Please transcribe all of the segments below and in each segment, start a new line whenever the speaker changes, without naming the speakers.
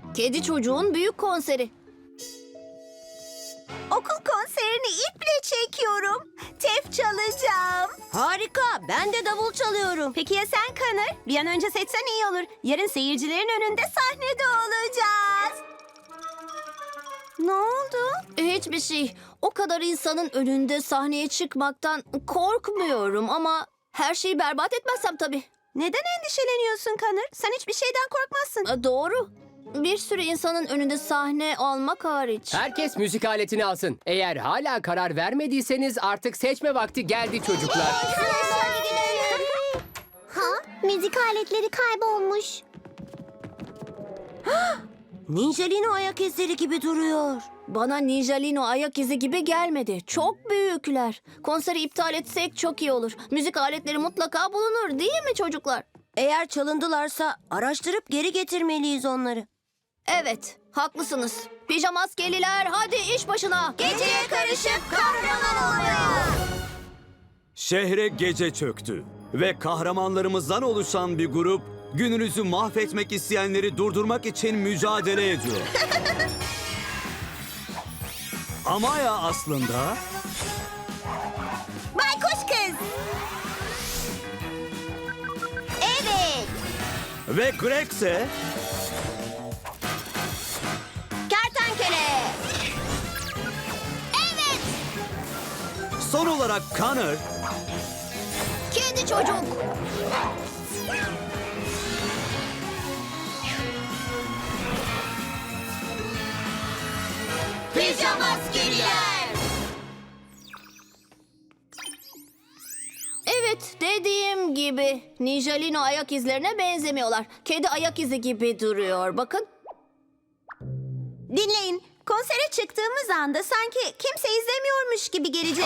Kedi çocuğun büyük konseri.
Okul konserini iple çekiyorum. Tef çalacağım.
Harika, ben de davul çalıyorum.
Peki ya sen Connor? Bir an önce seçsen iyi olur. Yarın seyircilerin önünde sahnede olacağız. Ne oldu?
Hiçbir şey. O kadar insanın önünde sahneye çıkmaktan korkmuyorum ama her şeyi berbat etmezsem tabii.
Neden endişeleniyorsun Connor? Sen hiçbir şeyden korkmazsın.
Doğru. Bir sürü insanın önünde sahne almak hariç.
Herkes müzik aletini alsın. Eğer hala karar vermediyseniz artık seçme vakti geldi çocuklar.
Ha? Müzik aletleri kaybolmuş.
Ninjalino ayak izleri gibi duruyor.
Bana Ninjalino ayak izi gibi gelmedi. Çok büyükler. Konseri iptal etsek çok iyi olur. Müzik aletleri mutlaka bulunur değil mi çocuklar?
Eğer çalındılarsa araştırıp geri getirmeliyiz onları.
Evet, haklısınız. Pijamaskeliler hadi iş başına.
Geceye karışıp kahraman olmaya.
Şehre gece çöktü ve kahramanlarımızdan oluşan bir grup gününüzü mahvetmek isteyenleri durdurmak için mücadele ediyor. Amaya aslında
Baykuş kız. Evet.
ve Greg ise
Kertenkele.
son olarak Connor
Kedi çocuk.
Pijamaskeliler.
Evet, dediğim gibi. Ninjalino ayak izlerine benzemiyorlar. Kedi ayak izi gibi duruyor. Bakın.
Dinleyin. Konsere çıktığımız anda sanki kimse izlemiyormuş gibi gelecek.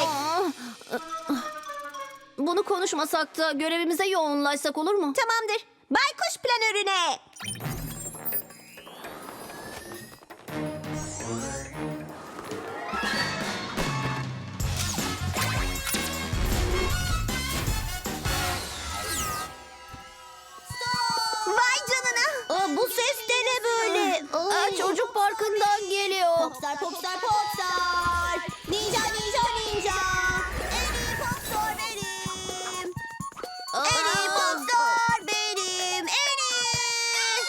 Bunu konuşmasak da görevimize yoğunlaşsak olur mu?
Tamamdır. Baykuş planörüne. Vay canına.
Aa, bu ses de ne böyle?
Çocuk parkından geliyor.
Popstar, popstar, popstar. Ninja, ninja, ninja. En iyi popstar benim. En iyi popstar benim. En iyi.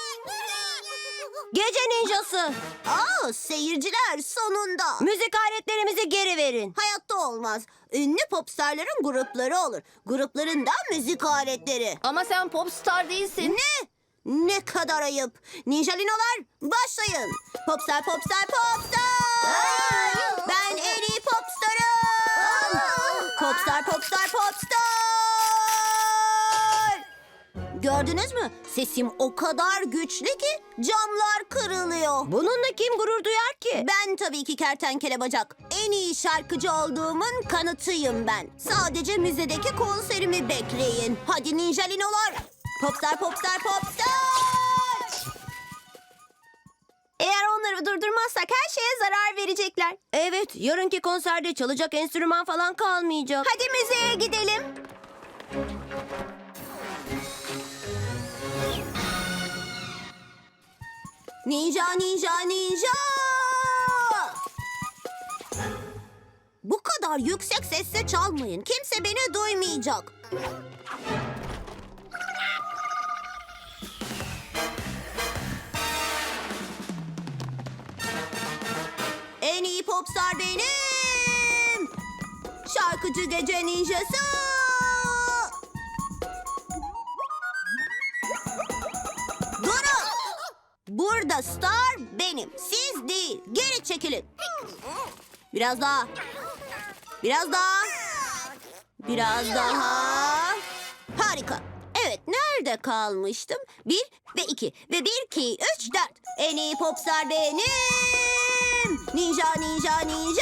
Gece ninjası.
Seyirciler sonunda.
Müzik aletlerimizi geri verin.
Hayatta olmaz. Ünlü popstarların grupları olur. Grupların da müzik aletleri.
Ama sen popstar değilsin.
Ne? Ne kadar ayıp. Ninjalinolar başlayın. Popstar, popstar, popstar. Ben en iyi popstarım. Popstar, popstar, popstar. Gördünüz mü? Sesim o kadar güçlü ki camlar kırılıyor.
Bununla kim gurur duyar ki?
Ben tabii ki kertenkele bacak. En iyi şarkıcı olduğumun kanıtıyım ben. Sadece müzedeki konserimi bekleyin. Hadi ninjalinolar. Popstar, popstar, popstar. Eğer onları durdurmazsak her şeye zarar verecekler.
Evet, yarınki konserde çalacak enstrüman falan kalmayacak.
Hadi müzeye gidelim. Ninja, ninja, ninja. Bu kadar yüksek sesle çalmayın. Kimse beni duymayacak. En iyi popstar benim. Şarkıcı gece ninjası. Durun. Burada star benim. Siz değil. Geri çekilin. Biraz daha. Biraz daha. Biraz daha. Harika. Evet, nerede kalmıştım? 1 ve 2 ve 1, 2, 3, 4. En iyi popstar benim. Ninja, ninja, ninja.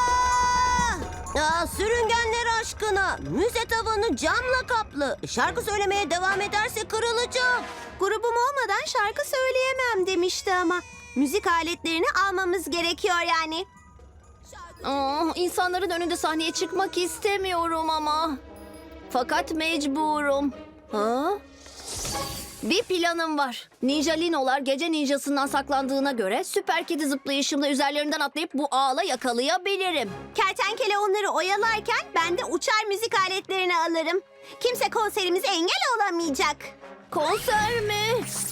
Aa, sürüngenler aşkına. Müze tavanı camla kaplı. Şarkı söylemeye devam ederse kırılacak.
Grubum olmadan şarkı söyleyemem demişti ama. Müzik aletlerini almamız gerekiyor yani.
İnsanların önünde sahneye çıkmak istemiyorum ama. Fakat mecburum. Ha? Bir planım var. Ninjalinolar gece ninjasından saklandığına göre süper kedi zıplayışımla üzerlerinden atlayıp bu ağla yakalayabilirim.
Kertenkele onları oyalarken ben de uçar müzik aletlerini alırım. Kimse konserimize engel olamayacak.
Konser mi?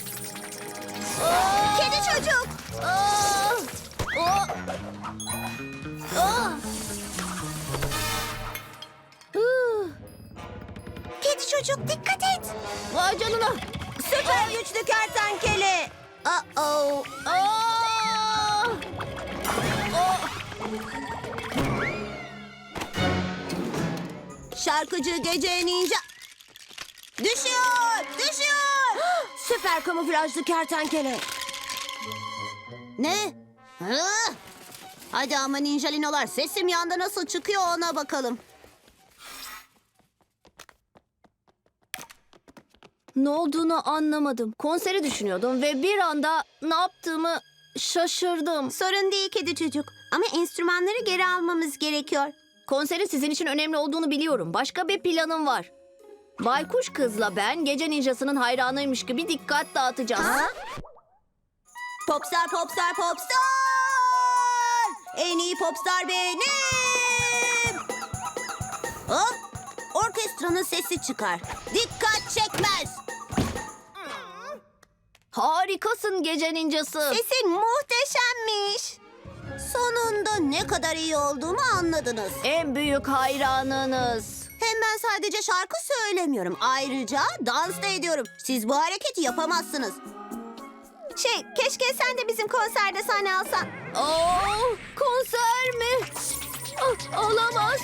Kedi çocuk.
Aa! Aa! Aa! Hıh!
Kedi çocuk dikkat et.
Vay canına.
Süper güçlü kertenkele. Uh-oh.
Aa!
Şarkıcı gece ninja. Düşüyor. Düşüyor.
Süper kamuflajlı kertenkele.
Ne? Hı? Hadi ama ninjalinolar sesim yanda nasıl çıkıyor ona bakalım.
Ne olduğunu anlamadım. Konseri düşünüyordum ve bir anda ne yaptığımı şaşırdım.
Sorun değil kedi çocuk. Ama enstrümanları geri almamız gerekiyor.
Konserin sizin için önemli olduğunu biliyorum. Başka bir planım var. Baykuş kızla ben gece ninjasının hayranıymış gibi dikkat dağıtacağız.
Popstar, popstar, popstar! En iyi popstar benim! Hop! Orkestranın sesi çıkar. Dikkat çekmez.
Harikasın gece ninjası.
Sesin muhteşemmiş. Sonunda ne kadar iyi olduğumu anladınız.
En büyük hayranınız.
Hem ben sadece şarkı söylemiyorum. Ayrıca dans da ediyorum. Siz bu hareketi yapamazsınız. Keşke sen de bizim konserde sahne alsan.
Konser mi? Olamaz.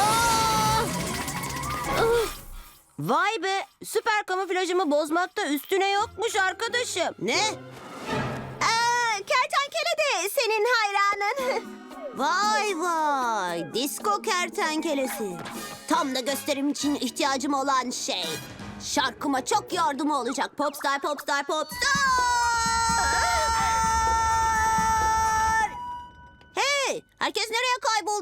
Vay be, süper kamuflajımı bozmakta üstüne yokmuş arkadaşım.
Ne? Kertenkele de senin hayranın. Vay vay, disko kertenkelesi. Tam da gösterim için ihtiyacım olan şey. Şarkıma çok yardımı olacak. Popstar, popstar, popstar! Hey, herkes nereye kayboldu?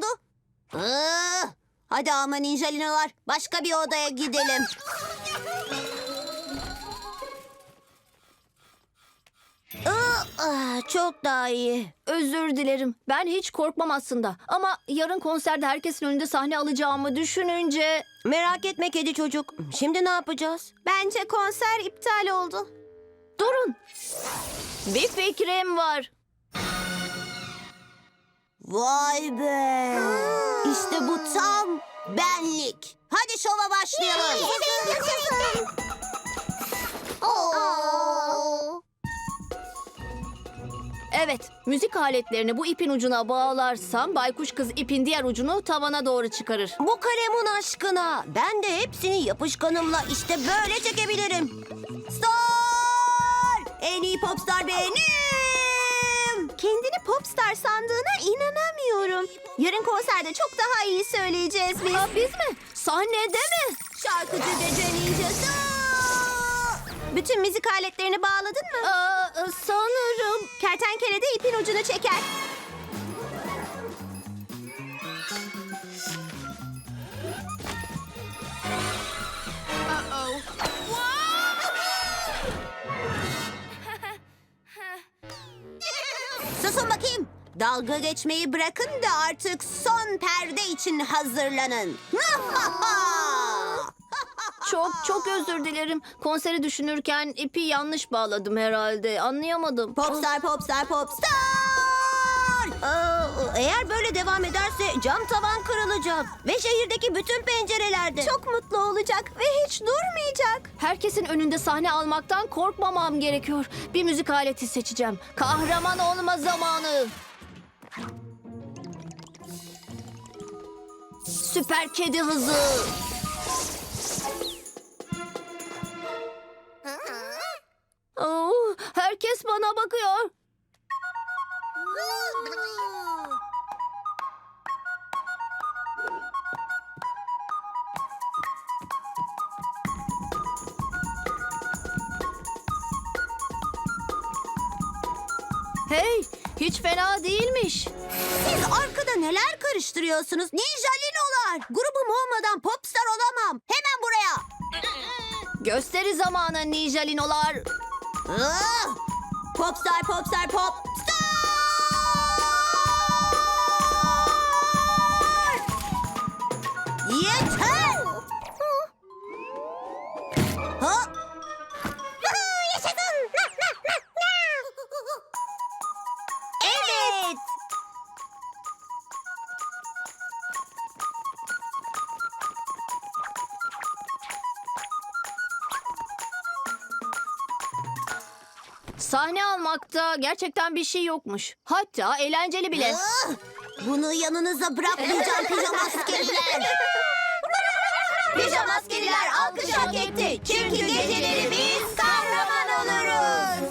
Hadi ama ninjalinolar, başka bir odaya gidelim.
Çok daha iyi.
Özür dilerim. Ben hiç korkmam aslında. Ama yarın konserde herkesin önünde sahne alacağımı düşününce...
Merak etme kedi çocuk. Şimdi ne yapacağız?
Bence konser iptal oldu.
Durun. Bir fikrim var.
Vay be! İşte bu tam benlik. Hadi şova başlayalım.
Evet, müzik aletlerini bu ipin ucuna bağlarsam baykuş kız ipin diğer ucunu tavana doğru çıkarır.
Bu kalemun aşkına. Ben de hepsini yapışkanımla işte böyle çekebilirim.
Star! En iyi popstar benim. Kendini popstar sandığına inanamıyorum. Yarın konserde çok daha iyi söyleyeceğiz biz.
Biz mi? Sahnede mi?
Şarkıcı gece ninjası. Bütün müzik aletlerini bağladın mı?
Sanırım.
Kertenkele de ipin ucunu çeker. Susun bakayım. Dalga geçmeyi bırakın da artık son perde için hazırlanın.
Çok özür dilerim. Konseri düşünürken ipi yanlış bağladım herhalde. Anlayamadım.
Popstar, popstar, popstar!
Eğer böyle devam ederse cam tavan kırılacak. Ve şehirdeki bütün pencerelerde.
Çok mutlu olacak ve hiç durmayacak.
Herkesin önünde sahne almaktan korkmamam gerekiyor. Bir müzik aleti seçeceğim. Kahraman olma zamanı. Süper kedi hızı. Herkes bana bakıyor. Hey, hiç fena değilmiş.
Siz arkada neler karıştırıyorsunuz? Ninjalinolar! Grubum olmadan popstar olamam. Hemen buraya.
Gösteri zamanı ninjalinolar.
Ah! Popstar, popstar, popstar! Yeter! Ha?
Yaşasın.
Evet!
Sahne almakta gerçekten bir şey yokmuş. Hatta eğlenceli bile.
Ah! Bunu yanınıza bırakmayacağım pijamaskeliler. Pijamaskeliler alkış hak etti. Çünkü geceleri biz kahraman oluruz.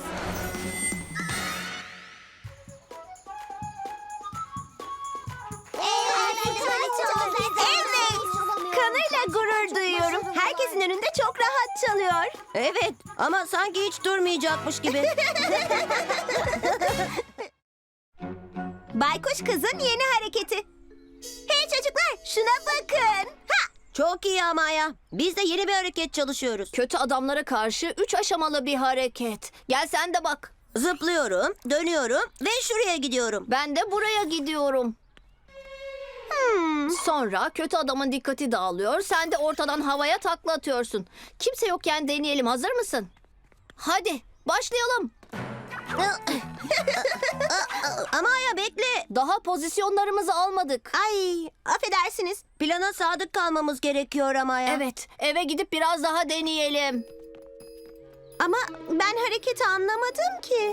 Evet. Kanıyla gurur duyuyorum. Herkesin önünde çok rahat çalıyor. Evet ama sanki hiç durmayacakmış gibi.
Baykuş kızın yeni hareketi. Hey çocuklar şuna bakın. Ha!
Çok iyi ama ya. Biz de yeni bir hareket çalışıyoruz.
Kötü adamlara karşı 3 aşamalı bir hareket. Gel sen de bak.
Zıplıyorum, dönüyorum ve şuraya gidiyorum.
Ben de buraya gidiyorum. Sonra kötü adamın dikkati dağılıyor. Sen de ortadan havaya takla atıyorsun. Kimse yokken deneyelim. Hazır mısın? Hadi başlayalım.
Ama ya bekle.
Daha pozisyonlarımızı almadık.
Ay, affedersiniz. Plana sadık kalmamız gerekiyor ama ya.
Evet, eve gidip biraz daha deneyelim.
Ama ben hareketi anlamadım ki.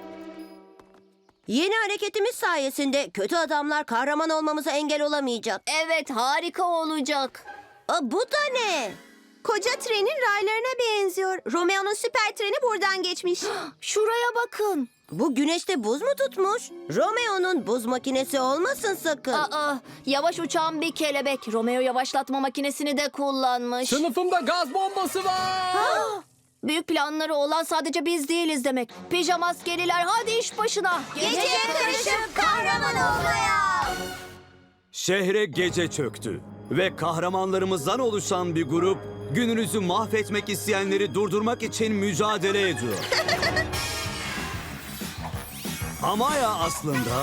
Yeni hareketimiz sayesinde kötü adamlar kahraman olmamıza engel olamayacak.
Evet, harika olacak.
Bu da ne? Koca trenin raylarına benziyor. Romeo'nun süper treni buradan geçmiş.
Şuraya bakın.
Bu güneşte buz mu tutmuş? Romeo'nun buz makinesi olmasın sakın.
Aa, yavaş uçan bir kelebek. Romeo yavaşlatma makinesini de kullanmış.
Sınıfımda gaz bombası var.
Büyük planları olan sadece biz değiliz demek. Pijamaskeliler hadi iş başına.
Geceye karışıp kahraman olmaya.
Şehre gece çöktü ve kahramanlarımızdan oluşan bir grup gününüzü mahvetmek isteyenleri durdurmak için mücadele ediyor. Amaya aslında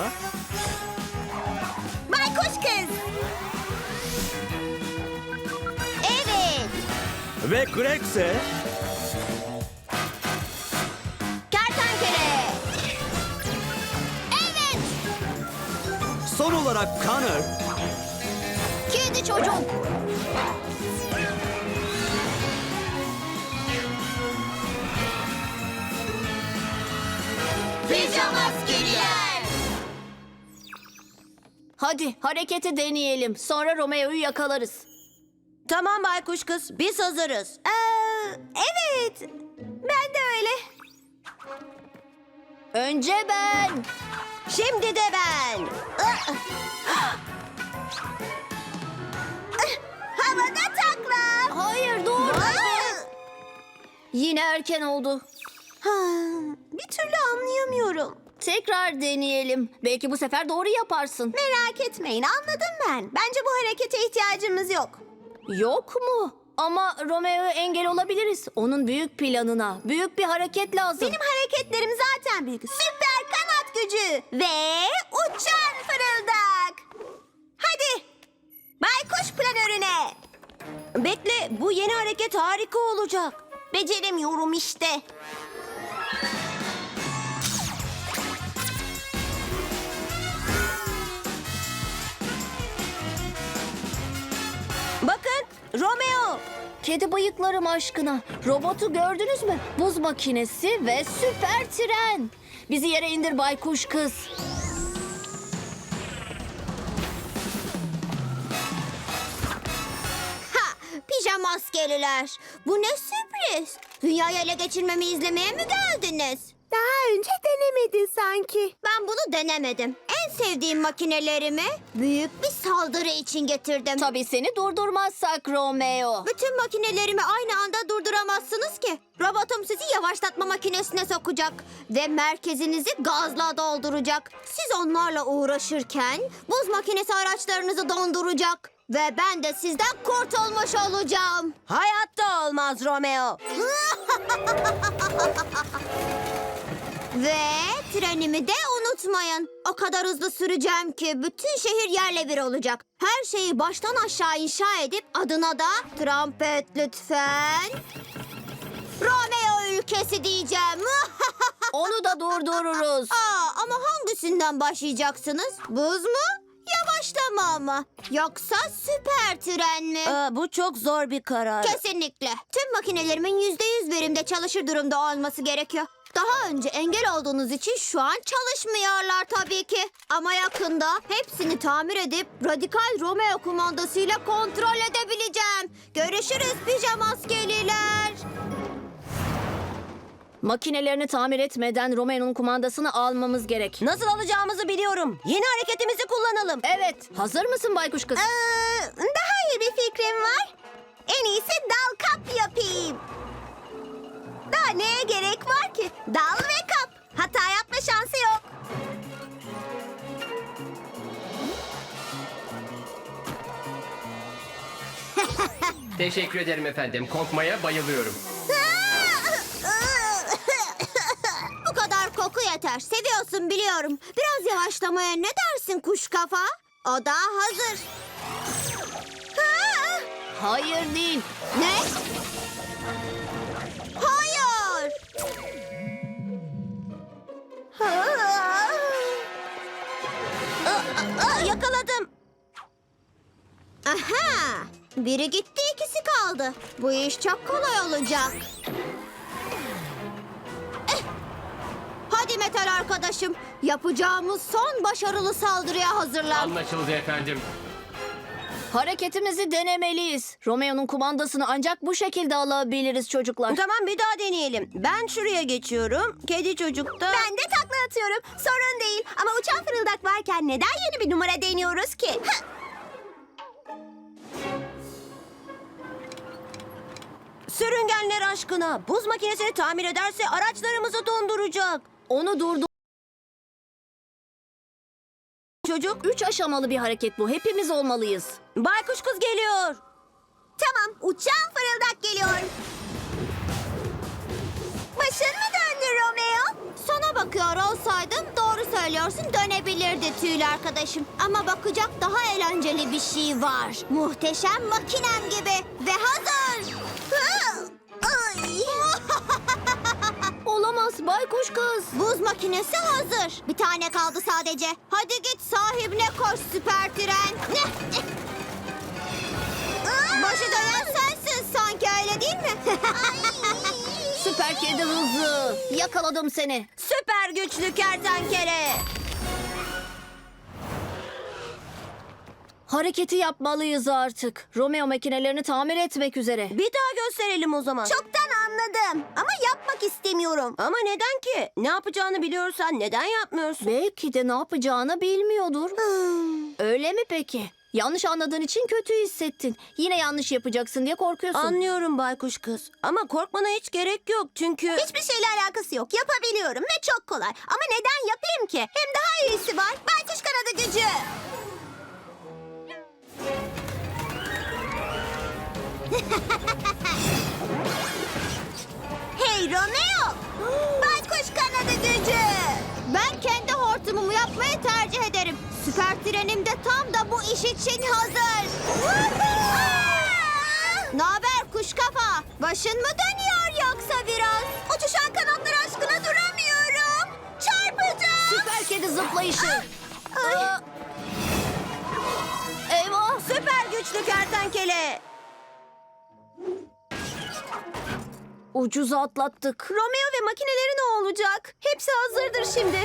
Baykuş kız. Evet.
ve Greg ise
Kertenkele. Evet.
son olarak Connor
Kedi çocuk.
Pijamaskeliler.
Hadi hareketi deneyelim. Sonra Romeo'yu yakalarız.
Tamam baykuş kız, biz hazırız.
Evet. Ben de öyle.
Önce ben.
Şimdi de ben.
Havada takla.
Hayır dur. Yine erken oldu.
Bir türlü anlayamıyorum.
Tekrar deneyelim. Belki bu sefer doğru yaparsın.
Merak etmeyin anladım ben. Bence bu harekete ihtiyacımız yok.
Yok mu? Ama Romeo'ya engel olabiliriz. Onun büyük planına. Büyük bir hareket lazım.
Benim hareketlerim zaten büyük. Süper kanat gücü ve uçan fırıldak. Hadi. Baykuş planörüne.
Bekle, bu yeni hareket harika olacak.
Beceremiyorum işte.
Bakın, Romeo.
Kedi bıyıklarım aşkına. Robotu gördünüz mü? Buz makinesi ve süper tren. Bizi yere indir baykuş kız.
Ha, pijamaskeliler. Bu ne sürpriz. Dünyayı ele geçirmemi izlemeye mi geldiniz? Daha önce denemedin sanki. Ben bunu denemedim. En sevdiğim makinelerimi büyük bir saldırı için getirdim.
Tabii seni durdurmazsak Romeo.
Bütün makinelerimi aynı anda durduramazsınız ki. Robotum sizi yavaşlatma makinesine sokacak ve merkezinizi gazla dolduracak. Siz onlarla uğraşırken buz makinesi araçlarınızı donduracak. Ve ben de sizden kurtulmuş olacağım.
Hayatta olmaz Romeo.
Ve trenimi de unutmayın. O kadar hızlı süreceğim ki bütün şehir yerle bir olacak. Her şeyi baştan aşağı inşa edip adına da trompet lütfen. Romeo ülkesi diyeceğim.
Onu da durdururuz.
Ama hangisinden başlayacaksınız? Buz mu? Yavaşlama mı? Yoksa süper tren mi?
Bu çok zor bir karar.
Kesinlikle. Tüm makinelerimin %100 verimde çalışır durumda olması gerekiyor. Daha önce engel olduğunuz için şu an çalışmıyorlar tabii ki. Ama yakında hepsini tamir edip radikal Romeo kumandasıyla kontrol edebileceğim. Görüşürüz pijama askeriler.
Makinelerini tamir etmeden Romeo'nun kumandasını almamız gerek.
Nasıl alacağımızı biliyorum. Yeni hareketimizi kullanalım.
Evet. Hazır mısın baykuş kız?
Daha iyi bir fikrim var. En iyisi dal kap yapayım. Daha neye gerek var ki? Dal ve kap. Hata yapma şansı yok.
Teşekkür ederim efendim. Korkmaya bayılıyorum.
Bu kadar koku yeter. Seviyorsun biliyorum. Biraz yavaşlamaya ne dersin kuş kafa? O da hazır.
Hayır değil.
Ne? Hayır.
Yakaladım.
Aha! Biri gitti, ikisi kaldı. Bu iş çok kolay olacak. Hadi Metal arkadaşım. Yapacağımız son başarılı saldırıya hazırlan.
Anlaşıldı efendim.
Hareketimizi denemeliyiz. Romeo'nun kumandasını ancak bu şekilde alabiliriz çocuklar.
Tamam, bir daha deneyelim. Ben şuraya geçiyorum. Kedi çocuk da...
Ben de takla atıyorum. Sorun değil. Ama uçan fırıldak varken neden yeni bir numara deniyoruz ki?
Sürüngenler aşkına. Buz makinesini tamir ederse araçlarımızı donduracak.
Onu durdur.
Çocuk,
3 aşamalı bir hareket bu. Hepimiz olmalıyız.
baykuş kız geliyor.
Tamam, uçan fırıldak geliyor. Başın mı döndü Romeo? Sana bakıyor olsaydım doğru söylüyorsun dönebilirdi tüylü arkadaşım. Ama bakacak daha eğlenceli bir şey var. Muhteşem makinem gibi ve hazır. Hı! Ay!
Olamaz baykuş kız.
Buz makinesi hazır. Bir tane kaldı sadece. Hadi git sahibine koş süper tren. Başı dönen sensin sanki öyle değil mi?
Süper kedi hızlı. Yakaladım seni.
Süper güçlü kertenkele.
Hareketi yapmalıyız artık. Romeo makinelerini tamir etmek üzere.
Bir daha gösterelim o zaman.
Çoktan anladım ama yapmak istemiyorum.
Ama neden ki? Ne yapacağını biliyorsan neden yapmıyorsun?
Belki de ne yapacağını bilmiyordur. Öyle mi peki? Yanlış anladığın için kötü hissettin. Yine yanlış yapacaksın diye korkuyorsun.
Anlıyorum baykuş kız. Ama korkmana hiç gerek yok çünkü...
Hiçbir şeyle alakası yok. Yapabiliyorum ve çok kolay. Ama neden yapayım ki? Hem daha iyisi var. Baykuş kanadı gücü. Hey Romeo! Baykuş kanadı gücü! Ben kendi hortumumu yapmayı tercih ederim. Süper trenim de tam da bu iş için hazır. Naber kuş kafa? Başın mı dönüyor yoksa biraz? Uçuşan kanatlar aşkına duramıyorum. Çarpacağım.
Süper kedi zıplayışı. Aa! Eyvah!
Süper güçlü kertenkele.
Ucuz atlattık.
Romeo ve makineleri ne olacak? Hepsi hazırdır şimdi.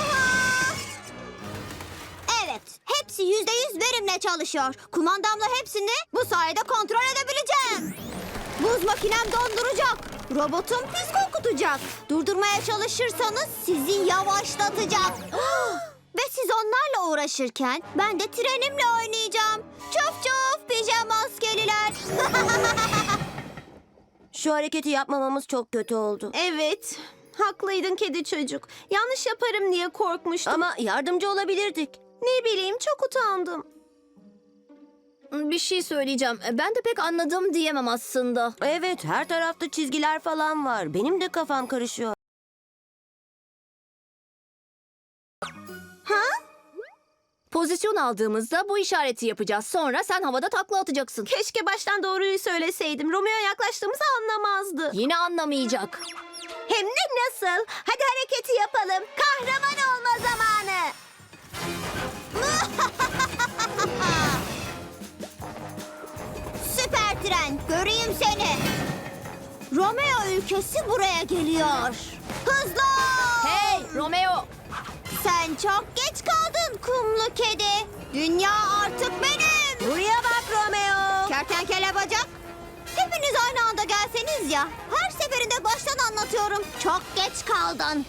Evet, hepsi %100 verimle çalışıyor. Kumandamla hepsini bu sayede kontrol edebileceğim. Buz makinem donduracak. Robotum pis kokutacak. Durdurmaya çalışırsanız sizi yavaşlatacak. Ve siz onlarla uğraşırken ben de trenimle oynayacağım. Çuf çuf pijama askeriler.
Şu hareketi yapmamamız çok kötü oldu.
Evet, haklıydın kedi çocuk. Yanlış yaparım diye korkmuştum.
Ama yardımcı olabilirdik.
Ne bileyim çok utandım.
Bir şey söyleyeceğim. Ben de pek anladım diyemem aslında.
Evet, her tarafta çizgiler falan var. Benim de kafam karışıyor.
Pozisyon aldığımızda bu işareti yapacağız. Sonra sen havada takla atacaksın.
Keşke baştan doğruyu söyleseydim. Romeo yaklaştığımızı anlamazdı.
Yine anlamayacak.
Hem de nasıl? Hadi hareketi yapalım. Kahraman olma zamanı.
Süper tren, göreyim seni. Romeo ülkesi buraya geliyor. Hızlı ol!
Hey Romeo!
Sen çok geç kaldın kumlu kedi. Dünya artık benim.
Buraya bak Romeo.
Kertenkele bacak. Hepiniz aynı anda gelseniz ya. Her seferinde baştan anlatıyorum. Çok geç kaldın.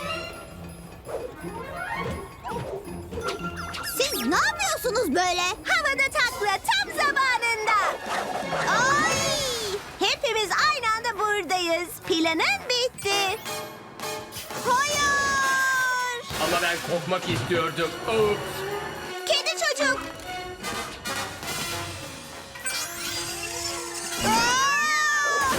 Siz ne yapıyorsunuz böyle? Havada takla tam zamanında. Ay!
Hepimiz aynı anda buradayız. Planın bitti.
Hayır!
Ama ben kopmak istiyordum. Oops.
Kedi çocuk. Aa!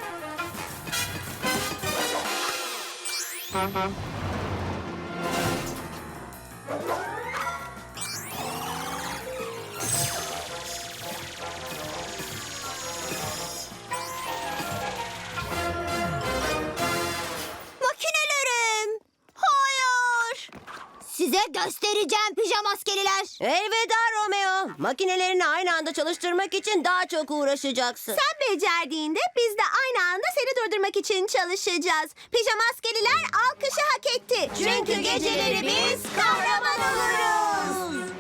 Makinelerim. Hayır. Size göstereceğim pijama askeriler.
Elveda Romeo. Makinelerini aynı anda çalıştırmak için daha çok uğraşacaksın.
Sen becerdiğinde biz de aynı anda seni durdurmak için çalışacağız. Pijama askeriler alkışı hak etti.
Çünkü geceleri biz kahraman oluruz.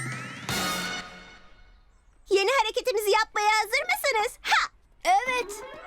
Yeni hareketimizi yapmaya hazır mısınız? Ha!
Evet.